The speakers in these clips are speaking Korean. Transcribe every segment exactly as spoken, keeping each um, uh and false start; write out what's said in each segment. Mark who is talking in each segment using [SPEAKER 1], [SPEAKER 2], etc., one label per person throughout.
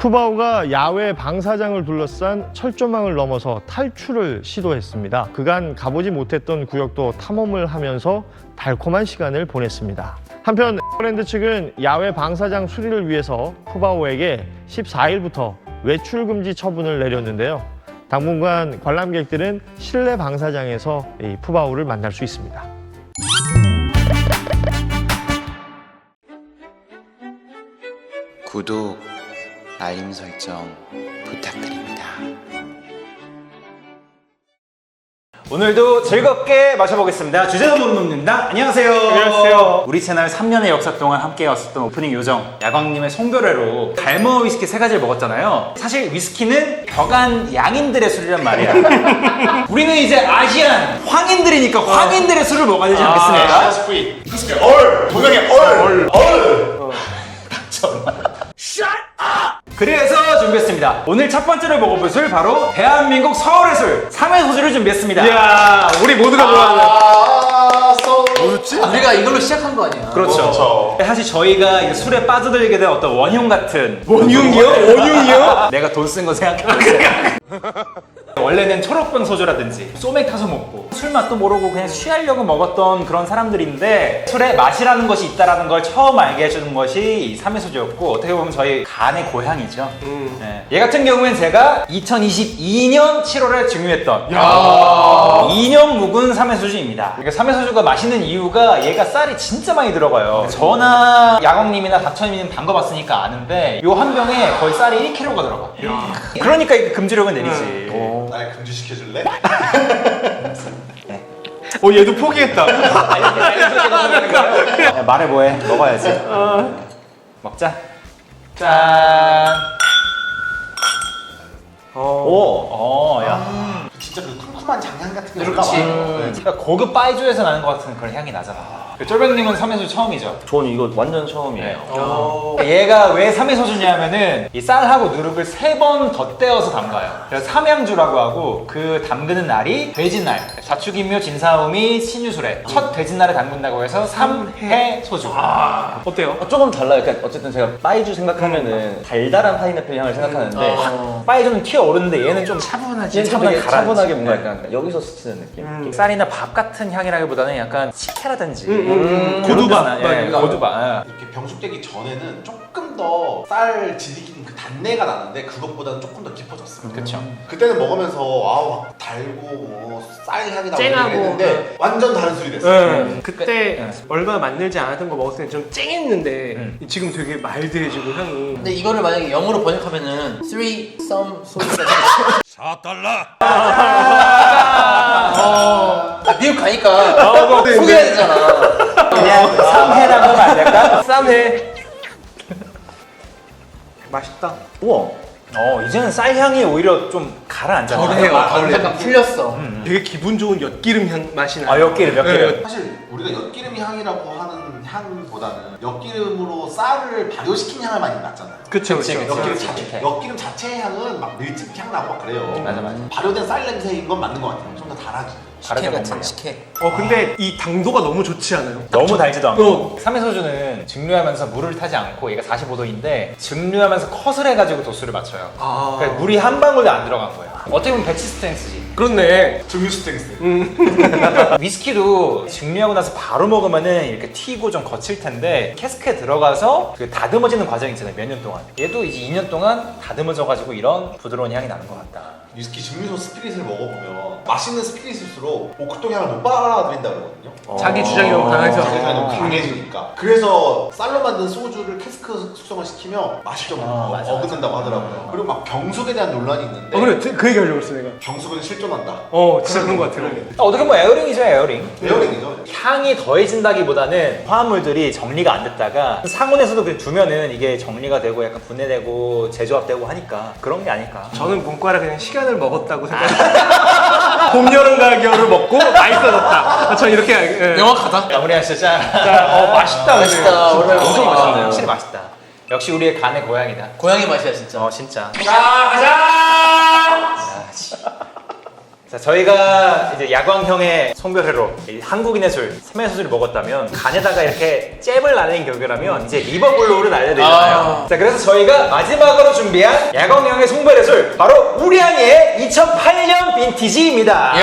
[SPEAKER 1] 푸바오가 야외 방사장을 둘러싼 철조망을 넘어서 탈출을 시도했습니다. 그간 가보지 못했던 구역도 탐험을 하면서 달콤한 시간을 보냈습니다. 한편 에버랜드 측은 야외 방사장 수리를 위해서 푸바오에게 십사 일부터 외출 금지 처분을 내렸는데요. 당분간 관람객들은 실내 방사장에서 이 푸바오를 만날 수 있습니다.
[SPEAKER 2] 구독, 알림 설정 부탁드립니다.
[SPEAKER 3] 오늘도 즐겁게 마셔보겠습니다. 주제도 못 묻는다. 안녕하세요.
[SPEAKER 1] 안녕하세요.
[SPEAKER 3] 우리 채널 삼 년의 역사 동안 함께 왔었던 오프닝 요정 야광님의 송별회로 달머 위스키 세 가지를 먹었잖아요. 사실 위스키는 벽안 양인들의 술이란 말이야. 우리는 이제 아시안 황인들이니까 황인들의 술을 먹어야 되지 않겠습니까?
[SPEAKER 4] 아, 스프리. 스프리. 얼. 동양의 얼. 얼.
[SPEAKER 3] 그래서 준비했습니다. 오늘 첫 번째로 먹어볼 술 바로 대한민국 서울의 술 삼 회 소주를 준비했습니다.
[SPEAKER 1] 이야, 우리 모두가 좋아하는.
[SPEAKER 4] 아, 써. 뭐였지?
[SPEAKER 5] 우리가 이걸로 시작한 거 아니야?
[SPEAKER 3] 그렇죠.
[SPEAKER 4] 그렇죠.
[SPEAKER 3] 사실 저희가 이 술에 빠져들게 된 어떤 원흉 같은
[SPEAKER 1] 원흉이요? 원흉이요?
[SPEAKER 3] 내가 돈 쓴 거 생각해보세요. 원래는 초록병 소주라든지 소맥 타서 먹고 술 맛도 모르고 그냥 취하려고 먹었던 그런 사람들인데 술에 맛이라는 것이 있다는 걸 처음 알게 해주는 것이 이 삼 회 소주였고 어떻게 보면 저희 간의 고향이죠. 음. 네. 얘 같은 경우엔 제가 이천이십이 년 칠월에 증류했던 이 년 묵은 삼 회 소주입니다. 그러니까 삼 회 소주가 맛있는 이유가 얘가 쌀이 진짜 많이 들어가요. 저나 야광님이나 닥쳐님은 담가봤으니까 아는데 요 한 병에 거의 쌀이 일 킬로그램가 들어가. 그러니까 이게 금지력은 내리지.
[SPEAKER 4] 날 금지시켜줄래?
[SPEAKER 1] 어, 얘도 포기했다.
[SPEAKER 3] 야, 말해 뭐해? 먹어야지. 먹자. 짠. 오, 어, 야.
[SPEAKER 4] 진짜 그 쿰쿰한 장향 같은 게
[SPEAKER 5] 그렇지.
[SPEAKER 4] 올라와.
[SPEAKER 3] 진짜 고급 바이주에서 나는 것 같은 그런 향이 나잖아. 그 쫄병님은 삼 회 소주 처음이죠?
[SPEAKER 6] 저는 이거 완전 처음이에요.
[SPEAKER 3] 얘가 왜 삼 회 소주냐면은 이 쌀하고 누룩을 세 번 덧대어서 담가요. 그래서 삼양주라고 하고 그 담그는 날이 돼지날. 자축인묘 진사오미 신유술에 첫 돼지날에 담근다고 해서 삼 회 소주.
[SPEAKER 1] 어때요?
[SPEAKER 6] 어, 조금 달라요. 그러니까 어쨌든 제가 빠이주 생각하면은 달달한 파인애플 향을 생각하는데
[SPEAKER 3] 바이주는 튀어오르는데 얘는 좀 차분하지.
[SPEAKER 6] 얘는 좀
[SPEAKER 3] 차분하게
[SPEAKER 6] 되게
[SPEAKER 3] 가라앉지.
[SPEAKER 6] 차분하게 뭔가 약간 여기서 스치는 느낌.
[SPEAKER 3] 쌀이나 밥 같은 향이라기보다는 약간 식혜라든지
[SPEAKER 1] 고두밥.
[SPEAKER 3] 예, 고두밥.
[SPEAKER 4] 이렇게 병숙되기 전에는 조금 더 쌀 지지기는 그 단내가 나는데 그것보다는 조금 더 깊어졌어요.
[SPEAKER 3] 그쵸.
[SPEAKER 4] 그때는 먹으면서 와우 막 달고 뭐 쌀 향이 나고
[SPEAKER 7] 쨍하고.
[SPEAKER 4] 그랬는데 완전 다른 술이 됐어요.
[SPEAKER 7] 응. 그때 얼마 만들지 않았던 거 먹었을 때 좀 쨍했는데
[SPEAKER 3] 응.
[SPEAKER 7] 지금 되게 말드해지고 향이.
[SPEAKER 5] 근데 이거를 만약에 영어로 번역하면은 three some 소주가 아, 미국 가니까 소개해야 되잖아.
[SPEAKER 3] 그냥 삼 회라고 하면 안 될까?
[SPEAKER 7] 쌈해. 맛있다.
[SPEAKER 6] 우와.
[SPEAKER 3] 어, 이제는 쌀 향이 오히려 좀 가라앉잖아.
[SPEAKER 7] 덜해요.
[SPEAKER 5] 아, 약간 풀렸어.
[SPEAKER 7] 되게 기분 좋은 엿기름 향 맛이 나.
[SPEAKER 3] 아, 엿기름, 엿기름.
[SPEAKER 4] 사실 우리가 엿기름 향이라고 하는 향보다는 엿기름으로 쌀을 발효시킨 향을 많이 났잖아요.
[SPEAKER 7] 그쵸,
[SPEAKER 3] 그치,
[SPEAKER 7] 그쵸.
[SPEAKER 3] 그치.
[SPEAKER 4] 엿기름
[SPEAKER 3] 그치,
[SPEAKER 4] 자체,
[SPEAKER 3] 그치.
[SPEAKER 4] 엿기름 자체의 향은 막 밀집 향 나고 막 그래요.
[SPEAKER 3] 맞아, 맞아.
[SPEAKER 4] 발효된 쌀 냄새인 건 맞는 것 같아요. 좀 더 달아지.
[SPEAKER 5] 식혜
[SPEAKER 3] 다르게
[SPEAKER 5] 같은
[SPEAKER 3] 먹네요.
[SPEAKER 5] 식혜.
[SPEAKER 7] 어, 근데 이 당도가 너무 좋지 않아요?
[SPEAKER 3] 너무 달지도 않고.
[SPEAKER 7] 어.
[SPEAKER 3] 삼 회 소주는 증류하면서 물을 타지 않고 얘가 사십오 도인데 증류하면서 컷을 해가지고 도수를 맞춰요.
[SPEAKER 7] 아.
[SPEAKER 3] 그러니까 물이 한 방울도 안 들어간 거야. 어떻게 보면 배치 스탠스지.
[SPEAKER 7] 그렇네.
[SPEAKER 4] 증류 스탱스.
[SPEAKER 3] 위스키도 증류하고 나서 바로 먹으면은 이렇게 튀고 좀 거칠 텐데 캐스크에 들어가서 그 다듬어지는 과정이 있잖아요. 몇 년 동안. 얘도 이제 이 년 동안 다듬어져가지고 이런 부드러운 향이 나는 것 같다.
[SPEAKER 4] 위스키 증류소 스피릿을 먹어보면 맛있는 스피릿일수록 오크통 향을 못 빨아들인다 그러거든요.
[SPEAKER 7] 자기 주장이 너무 강해서.
[SPEAKER 4] 자기 주장이 너무 강해지니까. 그래서 쌀로 만든 소주를 캐스크 숙성을 시키면 맛이 좀
[SPEAKER 3] 어,
[SPEAKER 4] 어,
[SPEAKER 3] 맞아,
[SPEAKER 4] 어긋난다고 하더라고요. 그리고 막 병숙에 대한 논란이 있는데
[SPEAKER 7] 어, 그래. 그 얘기 하려고 했어, 내가.
[SPEAKER 4] 병숙은 실존한다.
[SPEAKER 7] 어, 진짜 그런 거 같아.
[SPEAKER 3] 어떻게 보면 에어링이죠, 에어링.
[SPEAKER 4] 에어링이죠.
[SPEAKER 3] 향이 더해진다기보다는 화합물들이 정리가 안 됐다가 상온에서도 그냥 두면은 이게 정리가 되고 약간 분해되고 재조합되고 하니까 그런 게 아닐까.
[SPEAKER 7] 저는 문과라 그냥 시간을 먹었다고 생각해요. 봄, 여름, 가을, 겨울을 먹고 맛있어졌다. 전 이렇게 알- 예.
[SPEAKER 5] 명확하다.
[SPEAKER 3] 마무리하시죠. 자,
[SPEAKER 7] 어, 맛있다. 근데.
[SPEAKER 5] 맛있다. 오늘
[SPEAKER 3] 엄청
[SPEAKER 5] 맛있다.
[SPEAKER 3] 맛있네요. 확실히 맛있다. 역시 우리의 간의 고향이다.
[SPEAKER 5] 고양이 맛이야 진짜.
[SPEAKER 3] 어, 진짜.
[SPEAKER 7] 자, 가자!
[SPEAKER 3] 야, 씨. 자, 저희가 이제 야광형의 송별회로 이 한국인의 술, 삼해수술을 먹었다면 간에다가 이렇게 잽을 날리는 격이라면 이제 리버블로우를 날려야 되잖아요.
[SPEAKER 5] 아.
[SPEAKER 3] 자, 그래서 저희가 마지막으로 준비한 야광형의 송별회 술 바로 우량의 이천팔 년 빈티지입니다.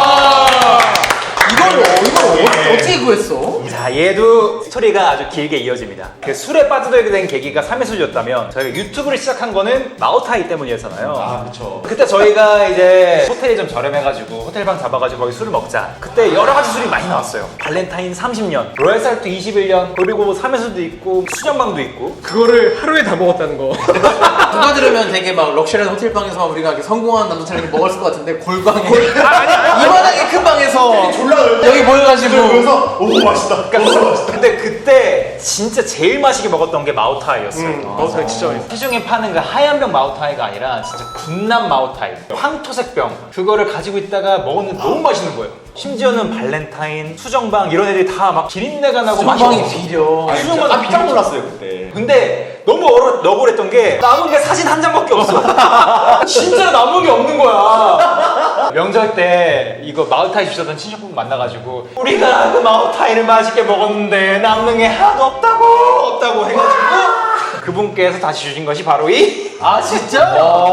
[SPEAKER 5] 이걸 이걸 어, 어떻게 구했어?
[SPEAKER 3] 자, 얘도 스토리가 아주 길게 이어집니다. 그 술에 빠져들게 된 계기가 삼해수였다면 저희가 유튜브를 시작한 거는 마오타이 때문이었잖아요.
[SPEAKER 4] 아 그쵸.
[SPEAKER 3] 그때 저희가 이제 호텔이 좀 저렴해가지고 호텔방 잡아가지고 거기 술을 먹자. 그때 여러 가지 술이 많이 나왔어요. 발렌타인 삼십 년, 로얄살트 이십일 년, 그리고 삼해수도 있고 수정방도 있고.
[SPEAKER 7] 그거를 하루에 다 먹었다는 거.
[SPEAKER 5] 누가 들으면 되게 막 럭셔리한 호텔방에서만 우리가 이렇게 성공한 남자처럼 이렇게 먹었을 것 같은데 골방에 이만하게 큰 방에서 여기 모여가지고
[SPEAKER 4] 그래서 오 맛있다.
[SPEAKER 3] 그러니까 근데 그때 진짜 제일 맛있게 먹었던 게 마오타이였어요.
[SPEAKER 7] 음, 마오타이 진짜 맛있어.
[SPEAKER 3] 시중에 파는 그 하얀 병 마오타이가 아니라 진짜 군남 마오타이, 황토색 병, 그거를 가지고 있다가 먹었는데 너무 맛있는 거예요. 심지어는 발렌타인, 수정방 이런 애들이 다 막 기린내가 나고
[SPEAKER 5] 수정방이
[SPEAKER 3] 맛이
[SPEAKER 5] 비려.
[SPEAKER 3] 수정방
[SPEAKER 6] 깜짝 놀랐어요 그때.
[SPEAKER 3] 근데 너무 어려, 너구랬던 게 남은 게 사진 한 장밖에 없어. 진짜로 남은 게 없는 거야. 명절 때 이거 마오타이 주셨던 친척분 만나가지고 우리가 그 마오타이를 맛있게 먹었는데 남는 게 하나도 없다고 없다고 해가지고 그분께서 다시 주신 것이 바로 이
[SPEAKER 5] 아 진짜?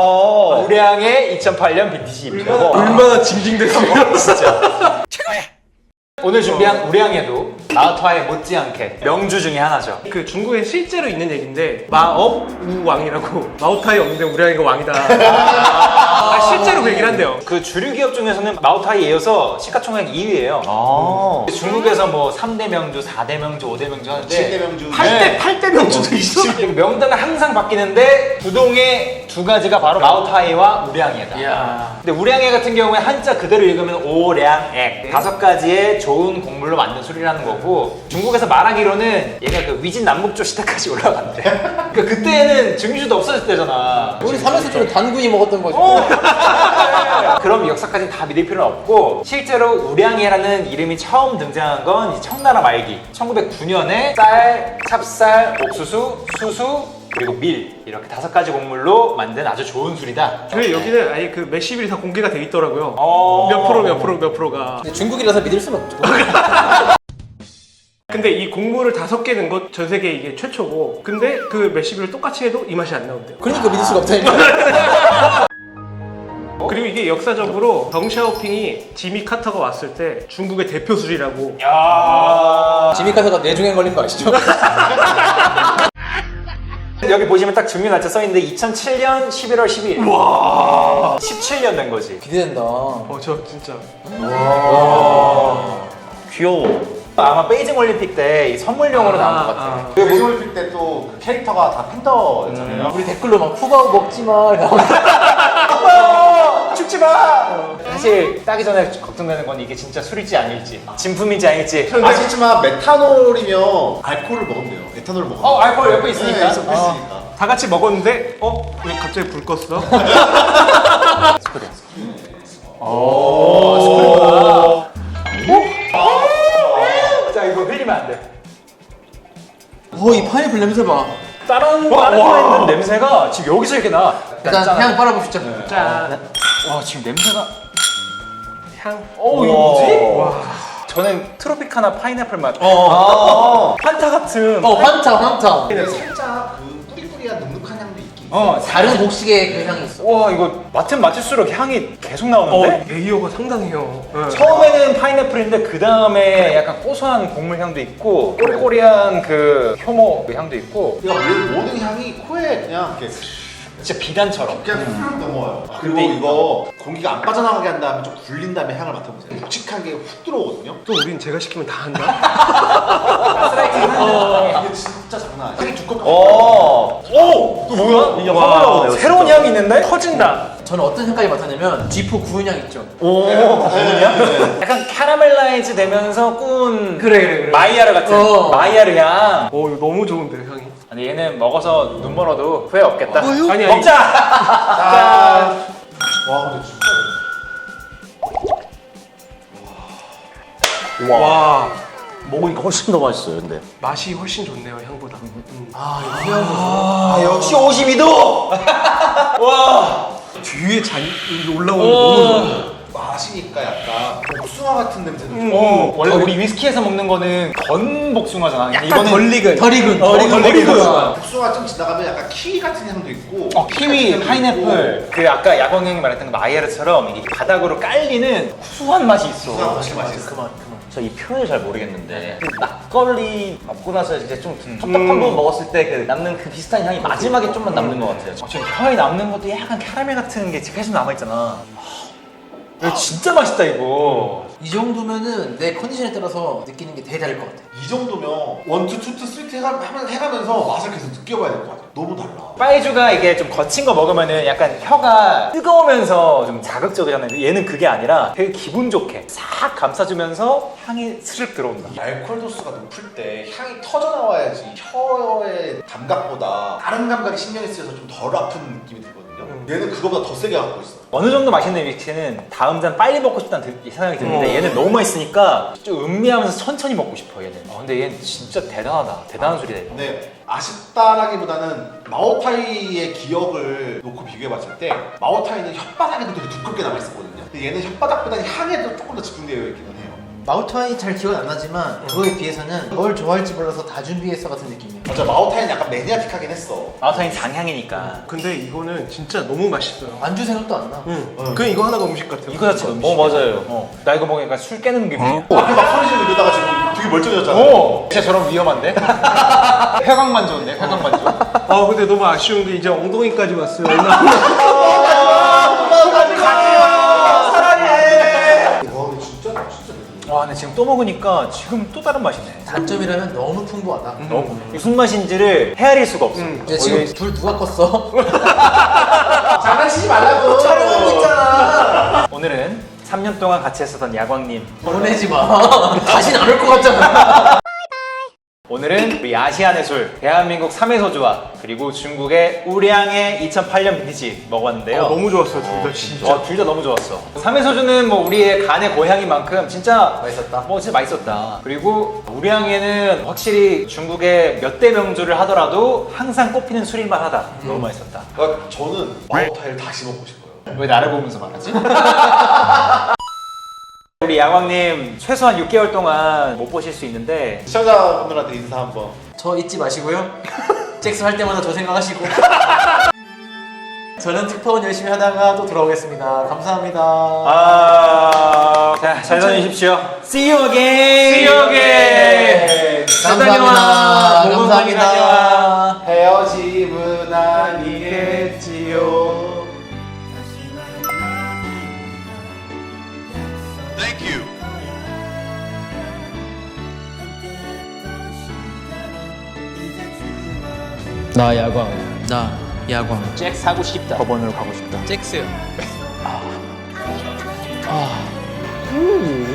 [SPEAKER 3] 우량의 이천팔 년 빈티지입니다.
[SPEAKER 7] 얼마나 징징댔으면.
[SPEAKER 3] 진짜. 오늘 준비한 우량에도 마오타이 못지않게 명주 중에 하나죠.
[SPEAKER 7] 그 중국에 실제로 있는 얘기인데 마업 우왕이라고 마오타이 없는데 우량이가 왕이다. 아, 실제로 그 얘기를 한대요.
[SPEAKER 3] 그 주류 기업 중에서는 마오타이에 이어서 시가총액 이 위예요.
[SPEAKER 6] 아.
[SPEAKER 3] 중국에서 뭐 삼 대 명주, 사 대 명주, 오 대 명주 하는데
[SPEAKER 4] 칠 대 명주.
[SPEAKER 3] 팔 대, 팔 대 명주도 있어. 명단은 항상 바뀌는데 부동의 두 가지가 바로 마오타이와 우량이다.
[SPEAKER 5] 이야.
[SPEAKER 3] 근데 우량애 같은 경우에 한자 그대로 읽으면 오량액 다섯 가지의 좋은 곡물로 만든 술이라는 거고 중국에서 말하기로는 얘가 그 위진 남북조 시대까지 올라간대. 그러니까 그때는 증류주도 없어졌을 때잖아.
[SPEAKER 5] 우리 삼해수술은 단군이 먹었던 거죠.
[SPEAKER 3] 어. 그럼 역사까지는 다 믿을 필요는 없고 실제로 우량이라는 이름이 처음 등장한 건 청나라 말기 천구백구 년에 쌀, 찹쌀, 옥수수, 수수 그리고 밀 이렇게 다섯 가지 곡물로 만든 아주 좋은 술이다.
[SPEAKER 7] 그 여기는 아예 그 몇십일이 다 공개가 돼 있더라고요.
[SPEAKER 3] 어.
[SPEAKER 7] 몇 프로 몇 프로 몇 프로가.
[SPEAKER 5] 근데 중국이라서 믿을 수는 없죠.
[SPEAKER 7] 근데 이 곡물을 다섯 개 넣은 것 전 세계 이게 최초고. 근데 그 몇십일을 똑같이 해도 이 맛이 안 나온대요.
[SPEAKER 5] 그러니까 믿을 수가 없다니까.
[SPEAKER 7] 그리고 이게 역사적으로 덩샤오핑이 지미 카터가 왔을 때 중국의 대표 술이라고.
[SPEAKER 3] 야.
[SPEAKER 5] 지미 카터가 뇌종양 걸린 거 아시죠?
[SPEAKER 3] 여기 보시면 딱 증류 날짜 써있는데 이천칠 년 십일월 십일. 와. 십칠 년 된 거지.
[SPEAKER 5] 기대된다.
[SPEAKER 7] 어, 저 진짜.
[SPEAKER 6] 귀여워.
[SPEAKER 3] 아마 베이징 올림픽 때 이 선물용으로 나온 것 같아.
[SPEAKER 7] 아.
[SPEAKER 4] 그 배송을 필때또 그 캐릭터가 다 팬더였잖아요.
[SPEAKER 5] 우리 댓글로 막 푸바오 먹지 마.
[SPEAKER 3] 죽지 마! 사실 따기 전에 걱정되는 건 이게 진짜 술일지 아닐지 진품인지 아닐지.
[SPEAKER 4] 아시지만 메탄올이면 알코올을 먹으면 돼요. 에탄올을 먹으면.
[SPEAKER 3] 어 알코올 옆에 있으니까.
[SPEAKER 4] 네, 있으니까.
[SPEAKER 3] 어.
[SPEAKER 7] 다 같이 먹었는데 어? 왜 갑자기 불 껐어?
[SPEAKER 3] 자 이거 흘리면 안 돼.
[SPEAKER 5] 오, 이 파인애플 냄새 봐.
[SPEAKER 3] 다른 다른 거에 있는 냄새가 지금 여기서 이렇게 나.
[SPEAKER 5] 일단 향 빨아봅시다.
[SPEAKER 7] 짠.
[SPEAKER 3] 와 지금 냄새가.
[SPEAKER 7] 향.
[SPEAKER 3] 어 이거 뭐지? 와. 저는 트로피카나 파인애플 맛.
[SPEAKER 5] 어,
[SPEAKER 3] 판타 같은.
[SPEAKER 5] 어, 환타, 환타.
[SPEAKER 4] 근데 살짝 그 뿌리뿌리한 눅눅한 향도 있긴 있어요.
[SPEAKER 3] 어
[SPEAKER 5] 다른 곡식의 그 향이 있어.
[SPEAKER 3] 와 이거 맡으면 맡을수록 향이 계속
[SPEAKER 7] 어,
[SPEAKER 3] 나오는데.
[SPEAKER 7] 레이어가 상당해요. 네.
[SPEAKER 3] 처음에는 파인애플인데 그 다음에 약간 고소한 곡물 향도 있고 꼬리꼬리한 그 효모 그 향도 있고
[SPEAKER 4] 그냥 모든 향이 코에 그냥 이렇게
[SPEAKER 3] 진짜 비단처럼.
[SPEAKER 4] 그냥 훅 넘어와요. 그리고
[SPEAKER 3] 근데
[SPEAKER 4] 이거 공기가 안 빠져나가게 한 다음에 좀 굴린 다음에 향을 맡아보세요. 묵직한 게 훅 들어오거든요.
[SPEAKER 7] 또 우린 제가 시키면 다 한다.
[SPEAKER 4] 이게 진짜 장난 아니야. 향이 두껍고.
[SPEAKER 6] 어. 오. 또 뭐야? 이게
[SPEAKER 7] 와,
[SPEAKER 6] 화가 나오네요.
[SPEAKER 3] 새로운 향이 있는데?
[SPEAKER 7] 터진다.
[SPEAKER 5] 저는 어떤 향까지 맡았냐면 쥐포 구운 향 있죠.
[SPEAKER 3] 오
[SPEAKER 4] 네.
[SPEAKER 3] 약간 캐러멜라이즈 되면서 꾼
[SPEAKER 5] 그래, 그래, 그래.
[SPEAKER 3] 마이야르 같은
[SPEAKER 5] 어.
[SPEAKER 3] 마이야르 향.
[SPEAKER 7] 오, 이거 너무 좋은데 향이.
[SPEAKER 3] 아니 얘는 먹어서 눈 멀어도 후회 없겠다.
[SPEAKER 7] 아니, 아니.
[SPEAKER 3] 먹자. 짠.
[SPEAKER 4] 와 근데 진짜.
[SPEAKER 7] 와,
[SPEAKER 6] 먹으니까 훨씬 더 맛있어요. 근데.
[SPEAKER 7] 맛이 훨씬 좋네요 향보다. 음.
[SPEAKER 5] 아, 이 향이.
[SPEAKER 3] 아 역시 오십이 도. 와.
[SPEAKER 7] 뒤에 잔 이게 올라오는 게 너무 좋아.
[SPEAKER 4] 마시니까 약간 복숭아 같은 냄새도 좀.
[SPEAKER 3] 어, 원래 우리 위스키에서 먹는 거는 건 복숭아잖아.
[SPEAKER 7] 약간
[SPEAKER 3] 이거는
[SPEAKER 7] 덜 익은.
[SPEAKER 5] 덜 익은.
[SPEAKER 3] 어, 덜 익은.
[SPEAKER 4] 복숭아 좀 지나가면 약간 키위 같은 향도 있고.
[SPEAKER 3] 어, 키위, 파인애플. 그 아까 야광 형이 말했던 그 마이야르처럼 이게 바닥으로 깔리는 구수한 맛이 있어.
[SPEAKER 4] 복숭아 맛이 맛있어.
[SPEAKER 5] 그만 그만.
[SPEAKER 6] 저 이 표현을 잘 모르겠는데 그 막걸리 먹고 나서 이제 좀 텁텁한 부분 먹었을 때 그 남는 그 비슷한 향이 마지막에 좀만 남는 것 같아요.
[SPEAKER 3] 어, 지금 혀에 남는 것도 약간 캐러멜 같은 게 계속 남아있잖아. 이거 진짜 맛있다 이거.
[SPEAKER 5] 이 정도면은 내 컨디션에 따라서 느끼는 게 되게 다를 것 같아.
[SPEAKER 4] 이 정도면 원투 투투 쓰리트 해가, 하면- 해가면서 맛을 계속 느껴봐야 될 것 같아. 너무 달라.
[SPEAKER 3] 빠이주가 이게 좀 거친 거 먹으면은 약간 혀가 뜨거우면서 좀 자극적이잖아요. 얘는 그게 아니라 되게 기분 좋게 싹 감싸주면서 향이 스르륵 들어온다.
[SPEAKER 4] 이 알코올 도수가 높을 때 향이 터져 나와야지 혀의 감각보다 다른 감각이 신경이 쓰여서 좀 덜 아픈 느낌이 들거든요. 얘는 그거보다 더 세게 갖고 있어.
[SPEAKER 3] 어느 정도 맛있는 위스키는 다음 잔 빨리 먹고 싶다는 드- 생각이 드는데 얘는 너무 맛있으니까 좀 음미하면서 천천히 먹고 싶어 얘는. 어, 근데 얘는 진짜 대단하다. 대단한 술이다 이거.
[SPEAKER 4] 근데 아쉽다라기보다는 마오타이의 기억을 놓고 비교해봤을 때 마오타이는 혓바닥에도 되게 두껍게 남아있었거든요. 근데 얘는 혓바닥보다는 향에도 조금 더 집중되어 있기는 해요.
[SPEAKER 5] 마우타이 잘 기억은 안 나지만 그거에 비해서는 뭘 좋아할지 몰라서 다 준비했어 같은 느낌이야.
[SPEAKER 4] 맞아, 마오타이는 약간 매니아틱하긴 했어.
[SPEAKER 3] 마우타인 장향이니까.
[SPEAKER 7] 근데 이거는 진짜 너무 맛있어요.
[SPEAKER 5] 안주 생각도 안 나.
[SPEAKER 7] 응. 그냥 이거 하나가 음식 같아요.
[SPEAKER 3] 이거 자체가 음식.
[SPEAKER 6] 어 맞아요.
[SPEAKER 3] 어, 나 이거 먹으니까 술 깨는 느낌이야.
[SPEAKER 4] 앞에 막 소리 지르고 이러다가 지금 되게 멀쩡해졌잖아.
[SPEAKER 3] 오! 진짜 저런 위험한데? 회광만 좋은데? 회광만 좋
[SPEAKER 7] 아 근데 너무 아쉬운 게 이제 엉덩이까지 왔어요.
[SPEAKER 4] 와, 근데 진짜 진짜 매니아.
[SPEAKER 3] 와, 근데 지금 또 먹으니까 지금 또 다른 맛이네.
[SPEAKER 5] 단점이라면 너무 풍부하다.
[SPEAKER 3] 너무. 무슨 맛인지를 헤아릴 수가 없어.
[SPEAKER 5] 이제 지금 불 누가 껐어?
[SPEAKER 4] 장난치지 말라고.
[SPEAKER 5] 촬영하고 있잖아.
[SPEAKER 3] 오늘은 삼 년 동안 같이 했었던 야광님.
[SPEAKER 5] 보내지 마. 다신 안 올 것 같잖아.
[SPEAKER 3] 오늘은 우리 아시안의 술, 대한민국 삼 회 소주와 그리고 중국의 우량의 이천팔 년 빈티지 먹어봤는데요.
[SPEAKER 7] 어, 너무 좋았어요 둘 다 진짜.
[SPEAKER 3] 와, 둘 다 너무 좋았어. 삼 회 소주는 뭐 우리의 간의 고향인 만큼 진짜
[SPEAKER 5] 맛있었다.
[SPEAKER 3] 뭐 진짜 맛있었다. 그리고 우량에는 확실히 중국의 몇 대 명주를 하더라도 항상 꼽히는 술일만 하다. 너무 맛있었다.
[SPEAKER 4] 그러니까 저는 마오타이를 다시 먹고 싶어요.
[SPEAKER 3] 왜 나를 보면서 말하지? 우리 야광님 최소한 육 개월 동안 못 보실 수 있는데
[SPEAKER 4] 시청자분들한테 인사 한번.
[SPEAKER 5] 저 잊지 마시고요. 잭스 할 때마다 저 생각하시고. 저는 특파원 열심히 하다가 또 돌아오겠습니다. 감사합니다.
[SPEAKER 3] 아, 자, 잘 다니십시오. See you again. See you again.
[SPEAKER 5] 감사합니다. 감사합니다.
[SPEAKER 4] 헤어짐은 아니겠지요.
[SPEAKER 5] 나 야광. 나 야광.
[SPEAKER 3] 잭 사고 싶다. 법원으로 가고 싶다.
[SPEAKER 5] 잭스요.
[SPEAKER 3] 음.